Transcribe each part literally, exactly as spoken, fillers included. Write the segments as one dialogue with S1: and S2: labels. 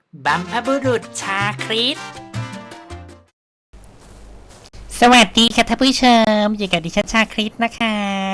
S1: บัมพบุรุษชาคริสสวัสดีค่ะท่านผู้ชมอยู่กับดิฉันชาคริสนะคะ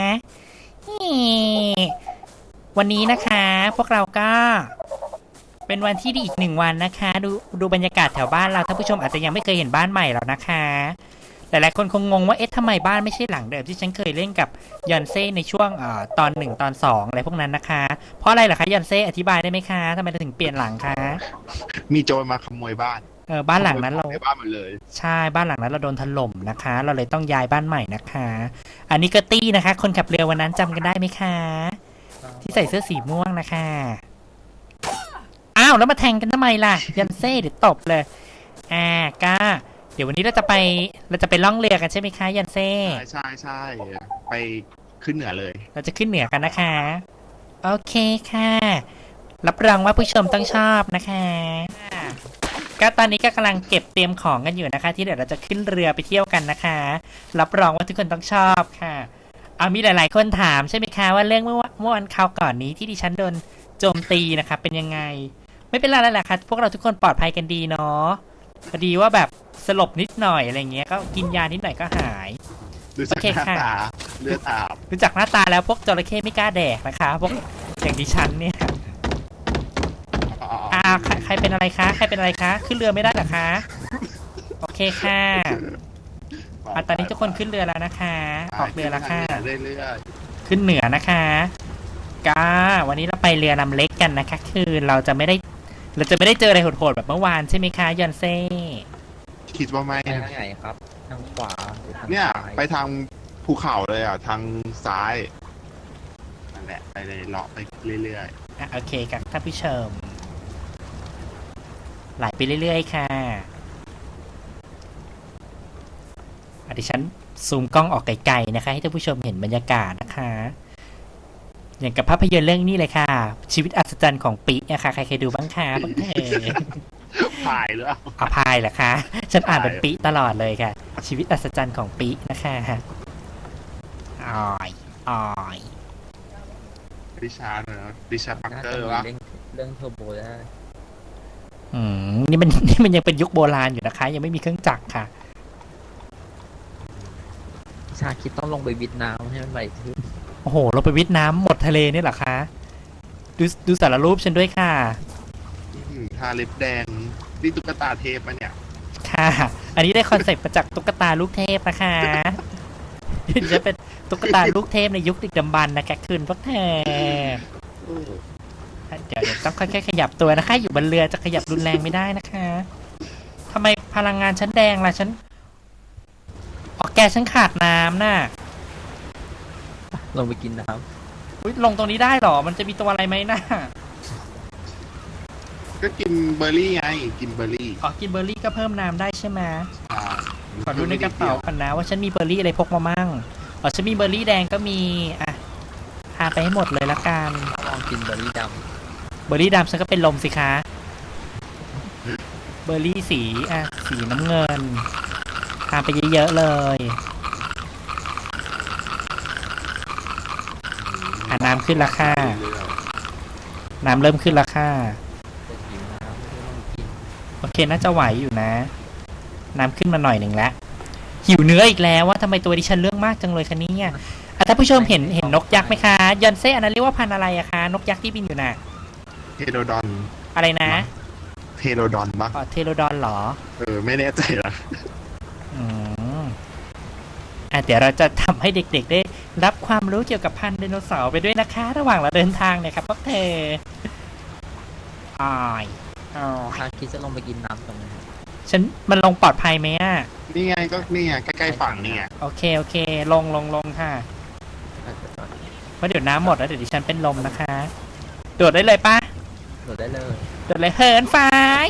S1: วันนี้นะคะพวกเราก็เป็นวันที่ดีอีกหนึ่งวันนะคะดูดูบรรยากาศแถวบ้านเราท่านผู้ชมอาจจะยังไม่เคยเห็นบ้านใหม่แล้วนะคะหลายๆคนคงงงว่าเอ๊ะทำไมบ้านไม่ใช่หลังเดิมที่ฉันเคยเล่นกับยอนเซ่ในช่วงเอ่อตอนหนึ่งตอนสองอะไรพวกนั้นนะคะเพราะอะไรเหรอคะยอนเซ่อธิบายได้ไหมคะทำไมเราถึงเปลี่ยนหลังคะ
S2: มีโจรมาขโมยบ้าน
S1: เออบ้านหลังนั้นเรา
S2: ในบ้านหมดเลย
S1: ใช่บ้านหลังนั้นเราโดนถล่มนะคะ เราเลยต้องย้ายบ้านใหม่นะคะ อันนี้ก็ตี้นะคะ คนขับเรือวันนั้นจำกันได้ไหมคะที่ใส่เสื้อสีม่วงนะคะอ้าวแล้วมาแทงกันทำไมล่ะยันเซ่เดี๋ยวตบเลยอ่าก้าเดี๋ยววันนี้เราจะไปเราจะไปล่องเรือกันใช่ไหมคะยันเซ่
S2: ใช่ใช่ใช่ไปขึ้นเหนือเลย
S1: เราจะขึ้นเหนือกันนะคะโอเคค่ะรับรองว่าผู้ชมต้องชอบนะคะก็ตอนนี้ก็กำลังเก็บเตรียมของกันอยู่นะคะ ที่เดี๋ยวเราจะขึ้นเรือไปเที่ยวกันนะคะรับรองว่าทุกคนต้องชอบค่ะเอามีหลาย ๆ คนถามใช่ไหมคะว่าเรื่องเมื่อเมื่อวันคราวก่อนนี้ที่ดิฉันโดนโจมตีนะคะเป็นยังไงไม่เป็นไรแล้วแหละค่ะพวกเราทุกคนปลอดภัยกันดีเนาะพอดีว่าแบบสลบนิดหน่อยอะไรเงี้ยก็กินยานิดหน่อยก็หาย
S2: ดูจากหน้าตาเลือดอาบ
S1: ดูจากหน้าตาแล้วพวกจระเข้ไม่กล้าแดกนะคะพวกอย่างดิฉันเนี่ยอ่าใครใครเป็นอะไรคะใครเป็นอะไรคะขึ้นเรือไม่ได้เหรอคะโอเคค่ะอ่ะตอนนี้ทุกคนขึ้นเรือแล้วนะคะออกเรือแล้วค่ะ
S2: เรื่อย
S1: ๆขึ้นเหนือนะคะก้าวันนี้เราไปเรือลำเล็กกันนะคะคือเราจะไม่ได้เราจะไม่ได้เจออะไรโหดๆแบบเมื่อวานใช่ไหมคะยอนเซ่
S2: คิดว่าไม่
S3: ไปทางไหนครับทางขวาหรือทาง
S2: เนี่ย
S3: ซ้าย
S2: ไปทางภูเขาเลยอ่ะทางซ้ายนั่นแหละไปเลยเลาะไปเรื่อย
S1: อ่ะโอเคครับท่านผู้ชมไหลไปเรื่อยๆค่ะอดิฉันซูมกล้องออกไกลๆนะคะให้ท่านผู้ชมเห็นบรรยากาศนะคะอย่างกับภาพยนตร์เรื่องนี้เลยค่ะชีวิตอัศจรรย์ของปิ๊นะคะใครเคยดูบ้างคะบ้างเธอ
S2: ๆถ่ายหรือเปล่า
S1: อภัยเหรอคะฉันอ่านเป็นปิ๊ตลอดเลยค่ะชีวิตอัศจรรย์ของปิ๊นะคะออยออย
S2: ดิชาร์ดนะดิชาร์ดปัก
S3: น่า
S2: เกอ
S3: จะ
S2: ร์
S3: มี
S2: วะ
S3: เรื่องเรื่องเทอร์โบได้
S1: อืมนี่มันนี่มันยังเป็นยุคโบราณอยู่นะคะ ยังไม่มีเครื่องจักรค่ะ
S3: ชาคิดต้องลงไปวิดน้ำให้มันไหลขึ้น
S1: โอ้โหเราไปวิทย์น้ำหมดทะเลนี่เหรอคะดูดูสารรูปฉันด้วยค่ะ
S2: ทาเล็บแดงนี่ตุ๊กตาเทปมันเนี่ย
S1: ค่ะ อันนี้ได้คอนเซ็ปต์มาจากตุ๊กตาลูกเทพนะคะจะเป็นตุ๊กตาลูกเทพในยุคดึกดำบรรพ์นะคะคืนพวกเธอเดี๋ยวเดี๋ยวต้องค่อยๆขยับตัวนะคะ อยู่บนเรือจะขยับรุนแรงไม่ได้นะคะทำไมพลังงานฉันแดงล่ะฉันออกแกฉันขาดน้ำน่ะ
S3: ลงไปกินน้
S1: อุ๊ยลงตรงนี้ได้หรอมันจะมีตัวอะไรไหมน่ะ
S2: ก็กินเบอร์รี่ไงกินเบอร์รี่
S1: อ๋อกินเบอร์รี่ก็เพิ่มน้ำได้ใช่ไหม
S2: อ่า
S1: ขอดูในกระเป๋าก่อนนะว่าฉันมีเบอร์รี่อะไรพกมามั่งอ๋อฉันมีเบอร์รี่แดงก็มีอ่ะพาไปให้หมดเลยละกัน
S3: ำลองกินเบอร์รี่ด
S1: เบอร์รี่ดำฉันก็เป็นลมสิคะเบอร์รี่สีอ่ะสีน้ำเงินทาไปเยอะๆเลยอ่ะน้ำขึ้นราคาน้ำเริ่มขึ้นราคา
S3: ำจะหิวน้ำไม่ได้ลงกิน
S1: โอเคน่าจะไหวอยู่นะน้ำขึ้นมาหน่อยหนึ่งแล้วหิวเนื้ออีกแล้วว่าทำไมตัวดิฉันเรื่องมากจังเลยคะเนี่ยอ่ะท่านผู้ชมเห็นเห็นนกยักษ์ไหมคะยอนเซ่อันนั้นเรียกว่าพันธุ์อะไรอะคะนกยักษ์ที่บินอยู่น่ะ
S2: เทโรดอน
S1: อะไรนะ
S2: เทโรดอนปะ
S1: อ๋อเทโรดอนเหรอ
S2: เออไม่แน่ใจละ
S1: อืมอ่ะเดี๋ยวเราจะทำให้เด็กๆได้รับความรู้เกี่ยวกับพันธุ์ไดโนเสาร์ไปด้วยนะคะระหว่างเราเดินทางเนี่ยครับพวกเธออ้ายอ๋อ
S3: ชาคิดจะลงไปกินน้ำตรงนี้
S1: ฉันมันลงปลอดภัยไหมอ่ะ
S2: นี่ไงก็นี่ไงใกล้ๆฝั่งนี่ไง
S1: โอเคโอเคลงลงลงค่ะเพราะเดี๋ยวน้ำหมดแล้วเดี๋ยวดิฉันเป็นลมนะคะโดดได้เลยปะ
S3: โดดได้เลย
S1: โดดเลยเหินฟ้า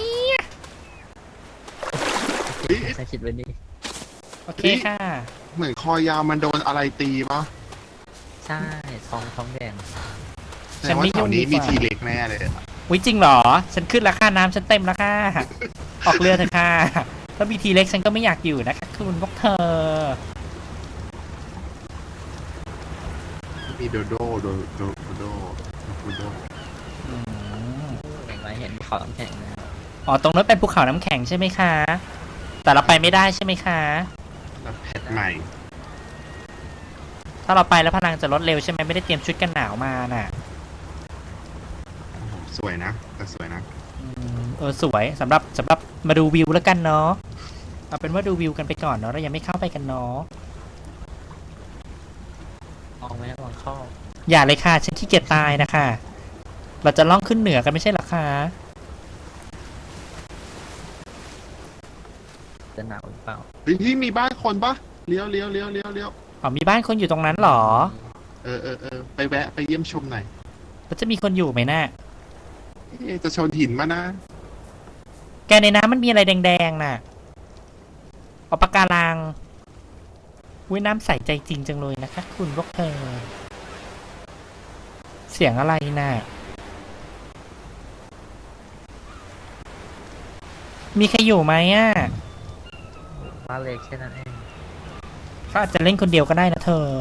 S3: ชาคิดไว้นี่
S1: โอเคค่ะ
S2: เหมือนคอยาวมันโดนอะไรตีปะ
S3: ใช่ท้องท้องแดง
S2: แต่ว่าแถวนี้มีทีเล็กแน่เลย
S1: วิจริงเหรอฉันขึ้นราคาน้ำฉันเต็มแล้วค่ะออกเรือเถอะค่ะถ้ามีทีเล็กฉันก็ไม่อยากอยู่นะคะคุณพวกเธอ
S2: มีโดโดโดโดโดโดโด
S3: เห็นไหมเห็นเขาน้ำแข็งนะ
S1: อ๋อตรงนั้นเป็นภูเขาน้ำแข็งใช่ไหมคะ แต่เราไปไม่ได้ใช่ไหมคะ
S2: แล้วแพทใหม่
S1: ถ้าเราไปแล้วพลังจะลดเร็วใช่ไหมไม่ได้เตรียมชุดกันหนาวมาน่ะ
S2: โอ้โหสวยนะแต่สวยนะ
S1: อืมเออสวยสำหรับสำหรับมาดูวิวแล้วกันเนาะเอาเป็นว่าดูวิวกันไปก่อนเนาะเรายังไม่เข้าไปกันเนาะ
S3: มองไหมมองเข้า
S1: อย่าเลยค่ะฉันขี้เกียจตายนะคะเราจะล่องขึ้นเหนือกันไม่ใช่เหรอคะ
S3: จะหนาวหรือเปล่า
S2: เฮ้ยที่มีบ้านคนปะเลี้ยวเลี้ยวเลี้ยวเลี้ยวเลี้ยว
S1: อ๋อมีบ้านคนอยู่ตรงนั้นเหรอ
S2: เออเออเออไปแวะไปเยี่ยมชมหน่อย
S1: แล้วจะมีคนอยู่ไหมน่ะ
S2: เอ๊ะจะชนหินมานะ
S1: แกในน้ำมันมีอะไรแดงๆน่ะเอาปะการังอุ้ยน้ำใสใจจริงจังเลยนะคะคุณพวกเธอ เสียงอะไรน่ะ มีใครอยู่ไหมอ่ะ
S3: บ้านเล็กแค่นั้นเอง
S1: เขาอาจจะเล่นคนเดียวก็ได้นะเธอ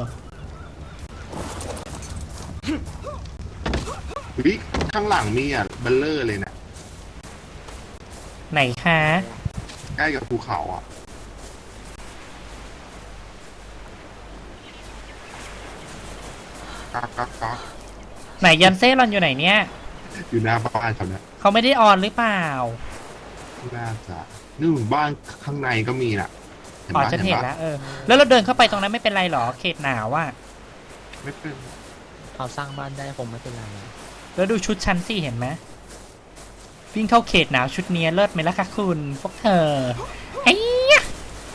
S2: เฮ้ยข้างหลังมีอ่ะเบลเลอร์เลยนะ
S1: ไหนคะ
S2: ใกล้กับภูเขาอ่ะก๊อกก๊อกก๊อก
S1: ไหนยันเซ่รอนอยู่ไหนเนี่ย
S2: อยู่หน้าบ้านเขาเนี่ย
S1: เขาไม่ได้ออนหรือเปล่า
S2: น่าจะนู่นบ้านข้างในก็มีน่ะเห็น
S1: อ๋อ
S2: ปะ
S1: ฉันเห็น
S2: ปะ
S1: แล้วเออ แล้วเราเดินเข้าไปตรงนั้นไม่เป็นไรหรอ เขตหนาวอ่ะ
S2: ไม่เป็น
S3: เราสร้างบ้านได้คงไม่เป็นไรนะ
S1: แล้วดูชุดฉันสิเห็นไหมวิ่งเข้าเขตหนาวชุดเนี้ยเลิศไหมล่ะคะคุณพวกเธอไอ้ยะ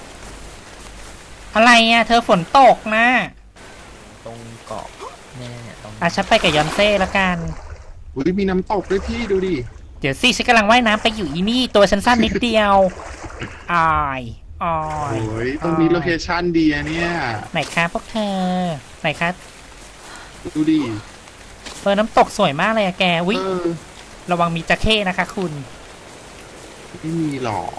S1: อะไรอ่ะ เธอฝนตกนะ
S3: ตรงเกาะเนี่ยเนี่ยตรง
S1: อ่ะฉันไปกับยอนเซ่ละกัน
S2: อุ้ยมีน้ำตกด้วยพี่ดูดิ
S1: เดี๋ยวสิฉันกำลังว่ายน้ำไปอยู่อีนี่ ตัวฉันสั้นนิดเดียวอายอาย
S2: โอ้ยตรงนี้โลเคชั่นดีอะเนี่ย
S1: ไหนคะพวกเธอ ไหนคะ
S2: ดูดิ
S1: เออน้ำตกสวยมากเลยอะแกวิ
S2: เออ
S1: ระวังมีจระเข้นะคะคุณ
S2: ไม่มีหรอก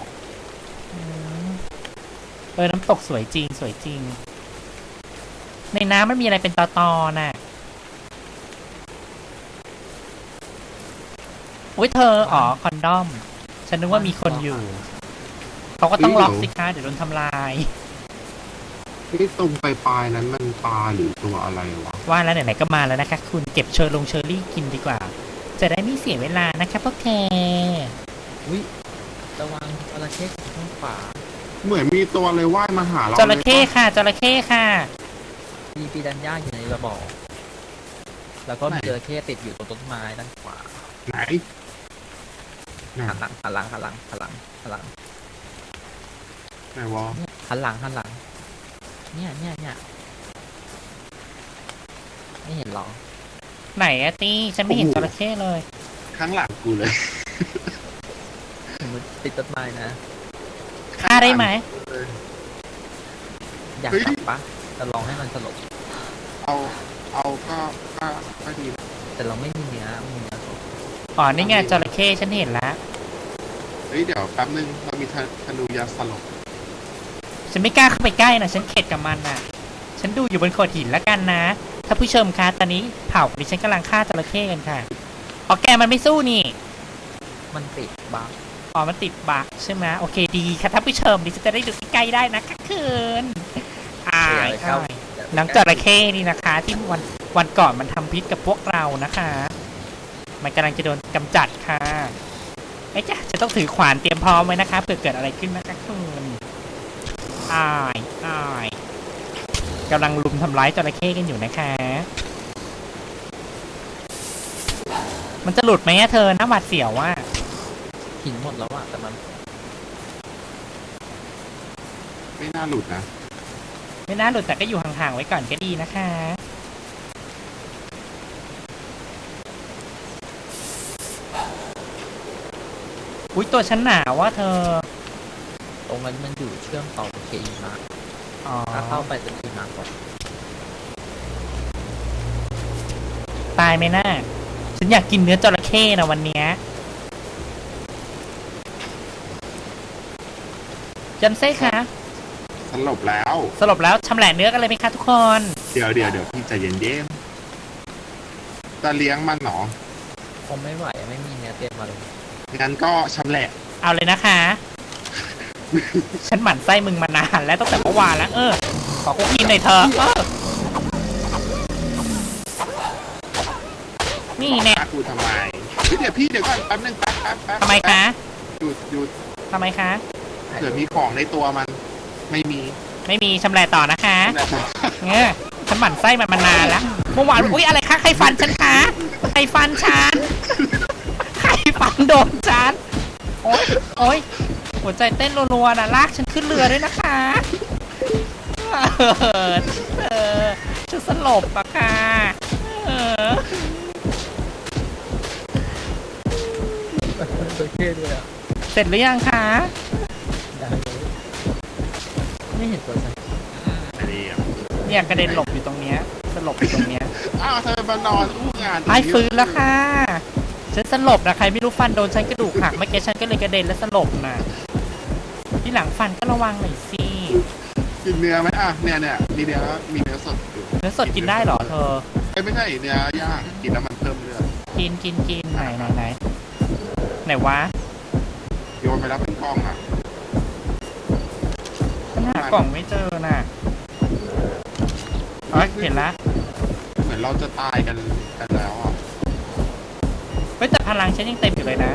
S1: เออน้ำตกสวยจริงสวยจริง ในน้ำมันมีอะไรเป็นตอตอน่ะอุ้ยเธออ๋อคอนดอม ฉันนึกว่ามีคนอยู่ เขาก็ต้องล็อกสิคะเดี๋ยวโดนทำลาย
S2: ที่ตรงปลายๆนั้นมันปลาหรือตัวอะไรวะ
S1: ว่าแล้วไหนๆก็มาแล้วนะคะ คุณเก็บเชอร์ลงเชอร์รี่กินดีกว่า จะได้ไม่เสียเวลานะคะพวกเธอ
S3: อุ้ยระวังจระเข้ข้างขวา
S2: เหมือนมีตัวเลยว่ายมาหาเรา
S1: จระเข้ค่ะจระเข้ค่ะ
S3: มีปีดันย่าอยู่ในกระบอก แล้วก็มีจระเข้ติดอยู่ตรงต้นไม้ด้านขวา
S2: ไหนไหน
S3: หันหลังหันหลังหันหลังหันหลังหันหลัง
S2: ไหนวะ
S3: เนี่ยหันหลังหันหลัง เนี่ยเนี่ยเนี่ยไม่เห็นหรอ
S1: ไหนอะตี้ฉันไม่เห็นจระเข้เลย
S2: ข้างหลังกูเลย
S3: ถึงมันติดต้นไม้นะ
S1: ฆ่าได้ไหม
S2: เออ
S3: อยาก
S2: เฮ้ย
S3: จับปะจะลองให้มันสลบ
S2: เอาเอาก็ก็ก็ดีนะ
S3: แต่เราไม่มีเนื้อไม่มีเนื้อสด
S1: อ๋อนี่ไงจระเข้ฉันเห็นแล้ว
S2: เฮ้ยเดี๋ยวแป๊บนึงเรามีธธนูยาสลบ
S1: ฉันไม่กล้าเข้าไปใกล้นะฉันเข็ดกับมันน่ะ ฉันดูอยู่บนโขดหินแล้วกันนะ ถ้าผู้ชมคะตอนนี้เผ่าดิฉันกำลังฆ่าจระเข้กันค่ะอ๋อแกมันไม่สู้นี่
S3: มันติดบั๊ก
S1: อ๋อมันติดบั๊กใช่ไหมโอเคดีค่ะท่านผู้ชมดิฉันจะได้ดูใกล้ๆได้นะคะคืนอายอายน้องจระเข้นี่นะคะ ที่วันวันก่อนมันทำพิษกับพวกเรานะคะ มันกำลังจะโดนกำจัดค่ะไอ้จ้ะจะต้องถือขวานเตรียมพร้อมไว้นะคะเผื่อเกิดอะไรขึ้นนะคะคืนอายอายกำลังลุมทำร้ายจระเข้กันอยู่นะคะ มันจะหลุดไหมอะเธอหน้าหวาดเสียวว่า
S3: หินหมดแล้วอะแต่มัน
S2: ไม่น่าหลุดนะ
S1: ไม่น่าหลุดแต่ก็อยู่ห่างๆไว้ก่อนก็ดีนะคะ อุ้ยตัวฉันหนาวว่าเธอ
S3: ตรงนั้นมันอยู่เชื่อมต่อกับเคอีมา
S1: อ๋อ
S3: ถ้าเข้าไปจะเคอีมาก่อน
S1: ตายไหมน่าฉันอยากกินเนื้อจระเข้นะวันเนี้ยจันเซ่คะ
S2: สลบแล้ว
S1: สรุปแล้วชำแหละเนื้อกันเลยไหมคะทุกคน
S2: เดี๋ยวเดี๋ยวเดี๋ยวพี่ใจเย็นเย็นๆจะเลี้ยงมันเหรอ
S3: คงไม่ไหวไม่มีเนื้อเตรียมมาเลย
S2: งั้นก็ชำแหละ
S1: เอาเลยนะคะ ฉันหมั่นไส้มึงมานานแล้วตั้งแต่เมื่อวานแล้ว เออ ขอคุกกินหน่อยเถอะเออนี่แน่
S2: ฆ่ากูทำไมเฮ้ยเดี๋ยวพี่เดี๋ยวก่อนแป๊บนึงแป๊บแป๊บแป๊บ
S1: ทำไมคะ
S2: หยุดหยุด
S1: ทำไมคะ
S2: เผื่อมีของในตัวมันไม่มี
S1: ไม่มีชำแหละต่อนะคะ
S2: นั่นแหละ
S1: เงี้ยฉันหมั่นไส้มันมานานแล้วเมื่อวานอุ้ยอะไรคะใครฟันฉันคะใครฟันฉันใครฟันโดนฉันโอ๊ยโอ๊ยหัวใจเต้นรัวๆนะลากฉันขึ้นเรือด้วยนะคะเออเออจะสลบอะค่ะเออ
S3: จระเข้ด้วยอ่ะ
S1: เสร็จหรือยังคะ
S3: ได้เลยไม่เห็นตัวใส่
S2: อันนี้อ่ะ
S1: เนี่ยกระเด็นหลบอยู่ตรงเนี้ยสลบอยู่ตรงเนี้ย
S2: อ้าวเธอมานอนอู้งาน
S1: ไอ้ฟื้นแล้วค่ะฉันสลบนะใครไม่รู้ฟันโดนฉันกระดูกหักเมื่อกี้ฉันก็เลยกระเด็นและสลบนะที่หลังฟันก็ระวังหน่อยสิ
S2: กินเนื้อไหมอ่ะเนี่ยเนี่ยมีเนื้อมีเนื้อสดอยู่
S1: เนื้อสดกินได้เหรอเธอ
S2: เอ้ยไม่ใช่เนื้อย่างกินแล้วมันเพิ่มเลือด
S1: กินกินกินไหนไหนไหนไหนวะ
S2: โยนไปแล้วเป็นกล้องอ่ะ
S1: ฉันหากล่องไม่เจอน่ะอ๋อเห็นละ
S2: เหมือนเราจะตายกันกันแล้วอ่ะ
S1: เฮ้ยแต่พลังฉันยังเต็มอยู่เลยนะ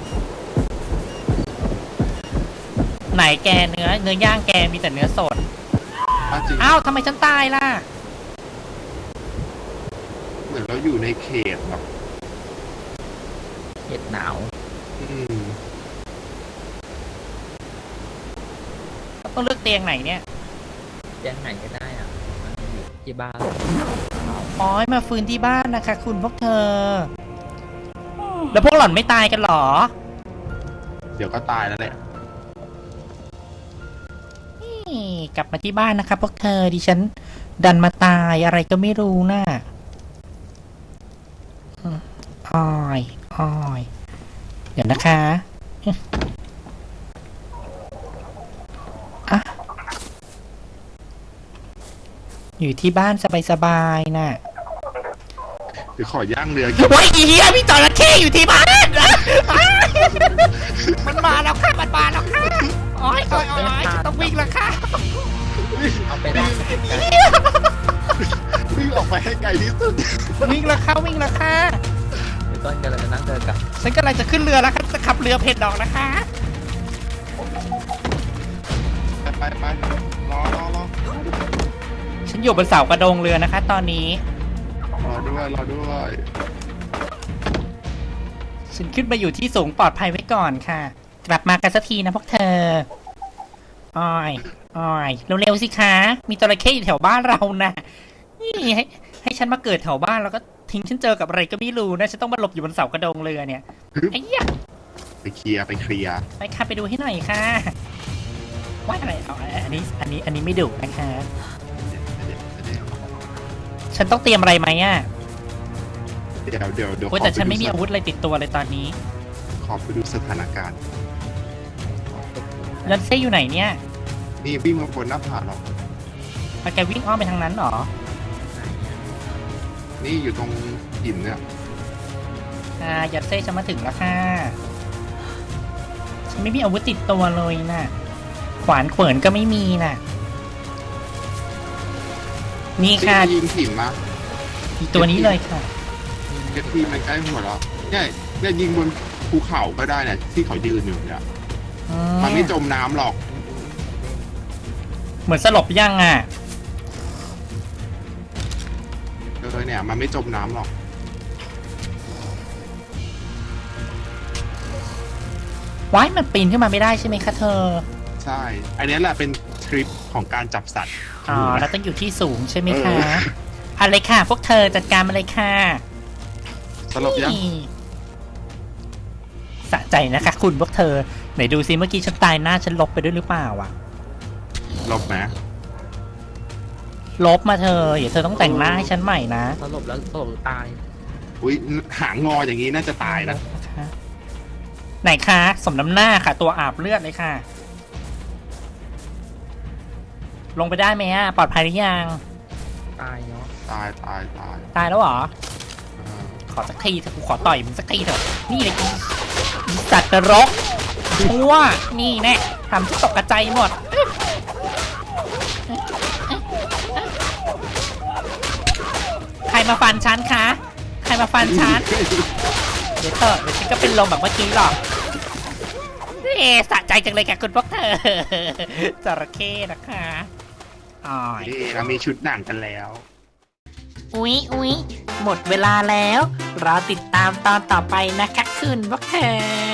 S1: ไหนแกเนื้อเนื้อย่างแกมีแต่เนื้อสด
S2: อ้าวจริง
S1: อ้าวทำไมฉันตายล่ะ
S2: เหมือนเราอยู่ในเขตแบบ
S3: เห็ดหนาว
S2: อืม
S1: ต้องเลือกเตียงไหนเนี่ย
S3: แจ้งไหนก็ได้อ่ะมันอยู่ที่บ้าน
S1: อ๋อมาฟื้นที่บ้านนะคะ คุณพวกเธอ แล้วพวกหล่อนไม่ตายกันเหรอ
S2: เดี๋ยวก็ตายแล้วแหละ
S1: นี่กลับมาที่บ้านนะคะพวกเธอดิฉัน ดันมาตายอะไรก็ไม่รู้น่ะอืมอ้อยอ้อยเดี๋ยวนะคะอ่ะอยู่ที่บ้านสบายๆน่ะ
S2: เดี๋ยวขอย่างเรือกิน
S1: ว้ายอีเหี้ยพี่จระเข้อยู่ที่บ้านมันมาแล้วค่ะมันมาแล้วค่ะโอ้ยโอ้ยโอ้ยฉันต้องวิ่งแล้วค่ะ
S3: เอาไปได้ไกล
S2: วิ่งออกไปให้ไกลที่สุด
S1: วิ่งแล้วค่ะวิ่งแล้วค่ะ
S3: ๆเดี๋ยวต้นกำลังจะนั่งเดินกลับ
S1: ฉันกำลังจะขึ้นเรือแล้วค่ะจะขับเรือเผ็ดดอกนะคะ
S2: ไปไปไปรอรอรอ
S1: ฉันอยู่บนเสากระโดงเรือนะคะ ตอนนี้
S2: รอด้วยรอด้วย
S1: ฉันขึ้นมาอยู่ที่สูงปลอดภัยไว้ก่อนค่ะ กลับมากันสักทีนะพวกเธออ้อยอ้อยเร็วๆสิคะมีจระเข้อยู่แถวบ้านเรานะนี่ให้ให้ฉันมาเกิดแถวบ้านแล้วก็ทิ้งฉันเจอกับอะไรก็ไม่รู้นะฉันต้องมาหลบอยู่บนเสากระโดงเรือเนี่ยไอ้ยะ
S2: ไปเคลียร์ไปเคลียร์
S1: ไปค่ะไปดูให้หน่อยค่ะว่าอะไรเอาอันนี้อันนี้อันนี้ไม่ดุนะคะ ฉันต้องเตรียมอะไรไหมอ่ะ
S2: เดี๋ยวเดี๋ยวเดี๋ยว
S1: โอ้ย
S2: ขอ
S1: แต่
S2: ป
S1: ฉันไม่
S2: ดู
S1: มีอาวุธอะไรติดตัวเลยตอนนี้
S2: ขอไปดูสถานการณ์
S1: ยันเซ่อยู่ไหนเนี่ย
S2: นี่วิ่งมาบนหน้าผาหรอก
S1: เอาแกวิ่งอ้อมไปทางนั้นเหรอ
S3: ไหนอ่ะ
S2: นี่อยู่ตรงหินเนี่ย
S1: อ่ายันเซ่จะมาถึงแล้วค่ะฉันไม่มีอาวุธติดตัวเลยน่ะ ขวานเขวินก็ไม่มีน่ะ นี่
S2: ที่
S1: ค่ะ
S2: ยิงหินมา
S1: อีตัวนี้เลยค่ะ
S2: กระทีมันใกล้หัวเราเนี่ยเนี่ยยิงบนภูเขาก็ได้เนี่ยที่เขายืนอยู่เนี่ย
S1: อื
S2: มันไม่จมน้ำหรอก
S1: เหมือนสลบยังอ่ะ
S2: เออเนี่ย มันไม่จมน้ำหรอก
S1: ว้ายมันปีนขึ้นมาไม่ได้ใช่ไหมคะเธอ
S2: ใช่ อันนี้แหละเป็นทริปของการจับสัตว์
S1: อ๋อ แล้วต้องอยู่ที่สูงใช่ไหมคะ
S2: เออ
S1: เอาเลยค่ะ พวกเธอจัดการมาเลยค่ะ
S2: สลบยัง
S1: นี่สะใจนะคะ คุณพวกเธอ ไหนดูซิเมื่อกี้ฉันตายหน้าฉันลบไปด้วยหรือเปล่าอ่ะ
S2: ลบไหม
S1: ลบมาเธออย่าเธอต้องแต่งหน้าให้ฉันใหม่นะ
S3: สลบแล้วสลบหรือตาย
S2: อุ้ยหางงออย่างนี้น่าจะตายนะ
S1: คะไหนคะสมน้ำหน้าค่ะ ตัวอาบเลือดเลยค่ะ ลงไปได้ไหมอ่ะ ปลอดภัยหรือยัง
S3: ตายเนาะ
S2: ตายตายตาย
S1: ตายแล้วเหรอ
S2: เออ
S1: ขอสักทีเถอะกูขอต่อยมึงสักทีเถอะ นี่เลยอีสัตว์นรก ดชั่วนี่แน่ทำที่ตกกระจายหมด ใครมาฟันฉันคะ ใครมาฟันฉัน เดี๋ยวเถอะเดี๋ยวฉันก็เป็นลมแบบเมื่อกี้หรอกเอ๊ะสะใจจังเลยค่ะคุณพวกเธอ จระเข้นะคะอ๋อ
S2: นี่เรามีชุดหนังกันแล้ว
S1: อุ๊ยอุ๊ยหมดเวลาแล้ว รอติดตามตอนต่อไปนะคะคุณพวกเธอ